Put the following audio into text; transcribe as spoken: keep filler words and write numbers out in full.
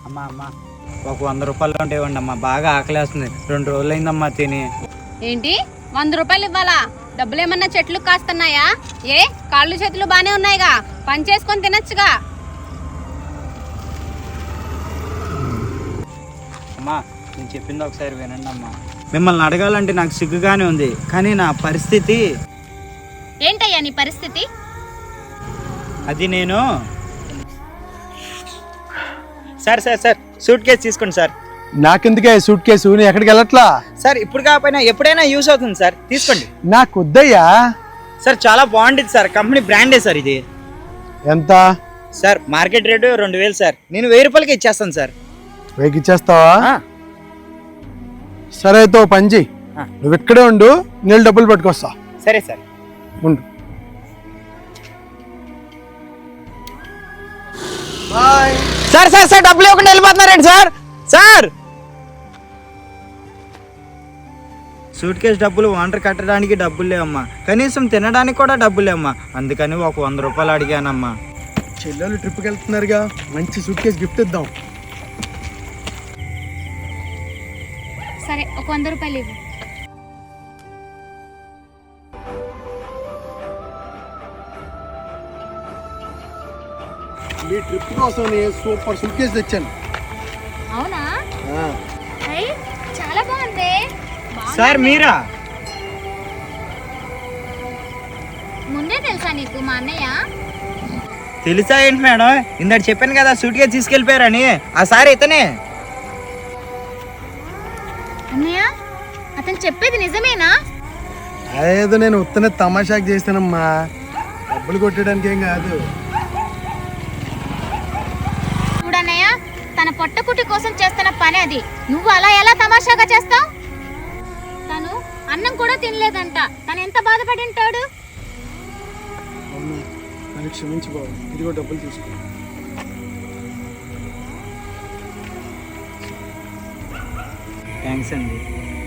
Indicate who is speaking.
Speaker 1: అమ్మా అమ్మా ఒక వంద రూపాయలు ఉంటే ఇవ్వండి అమ్మా, బాగా ఆకలేస్తుంది, రెండు రోజులు అయిందమ్మా తిని.
Speaker 2: ఏంటి వంద రూపాయలు ఇవ్వాలా? డబ్బులు ఏమన్నా చెట్లు కాస్తున్నాయా? ఏ కాళ్ళు చేతులు బానే ఉన్నాయిగా, పని చేసుకొని తినచ్చుగా.
Speaker 1: అమ్మా నేను చెప్పింది ఒకసారి వినండి అమ్మా. మిమ్మల్ని అడగాలంటే నాకు సిగ్గుగానే ఉంది, కానీ నా పరిస్థితి.
Speaker 2: ఏంటయ్యా నీ పరిస్థితి?
Speaker 1: అది నేను sir sir sir suitcase తీసుకోండి సార్.
Speaker 3: నాకెందుకే సూట్ కేసు, నేను ఎక్కడికి వెళ్ళట్లా
Speaker 1: సార్. ఇప్పుడు కాకపోయినా ఎప్పుడైనా యూస్ అవుతుంది సార్, తీసుకోండి.
Speaker 3: నాకు వద్దయ్యా.
Speaker 1: సార్ చాలా బాగుంటుంది సార్, కంపెనీ బ్రాండే సార్ ఇది.
Speaker 3: ఎంత
Speaker 1: సార్ మార్కెట్ రేటు రెండు వేలు సార్, నేను వెయ్యి రూపాయలకి ఇచ్చేస్తాను సార్.
Speaker 3: వెయ్యికి ఇచ్చేస్తావా? సరే అయితే ఓ పని చెయ్యి, నువ్వు ఇక్కడే ఉండు, నేను డబ్బులు పట్టుకొస్తా.
Speaker 1: సరే సార్
Speaker 3: ఉండు.
Speaker 1: సార్ సార్ సార్ డబ్బులు ఇవ్వకుండా వెళ్ళిపోతున్నారండి సార్. సార్ సూట్ కేసు డబ్బులు వాటర్ కట్టడానికి డబ్బులు లేవమ్మా, కనీసం తినడానికి కూడా డబ్బులు లేవమ్మా, అందుకని ఒక వంద రూపాయలు అడిగానమ్మా.
Speaker 3: చెల్లెలు ట్రిప్కి వెళ్తున్నారుగా, మంచి సూట్ కేసు గిఫ్ట్ ఇద్దాం.
Speaker 2: సరే ఒక వంద రూపాయలు ఇవ్వు.
Speaker 3: మీ ట్రిప్ కోసం నేను సూపర్ సూట్ కేసు తెచ్చాను.
Speaker 2: అవునా? చాలా బాగుంది.
Speaker 1: సార్ మీరా?
Speaker 2: ముందే తెలుసా నీకు మా అన్నయ్య?
Speaker 1: తెలుసా ఏంటి మేడం, ఇందాక చెప్పాను కదా సూట్ కేసు తీసుకెళ్ళిపోయారని, ఆ సార్ ఇతనే.
Speaker 2: అన్నయ్య అతను చెప్పేది నిజమేనా?
Speaker 3: అదేదో నేను ఉత్తనే తమాషాకి చేస్తానమ్మా, డబ్బులు కొట్టడానికి ఏం కాదు.
Speaker 2: చూడన్నయ్య, తన పొట్టకుటి కోసం చేస్తున్న పని అది, నువ్వు అలా ఎలా తమాషాగా చేస్తావు? తను అన్నం కూడా తినలేదంట, తను ఎంత బాధపడి ఉంటాడు.
Speaker 3: నన్ను క్షమించు బాబు, ఇదిగో డబ్బులు తీసుకో.
Speaker 1: థ్యాంక్స్ అండి.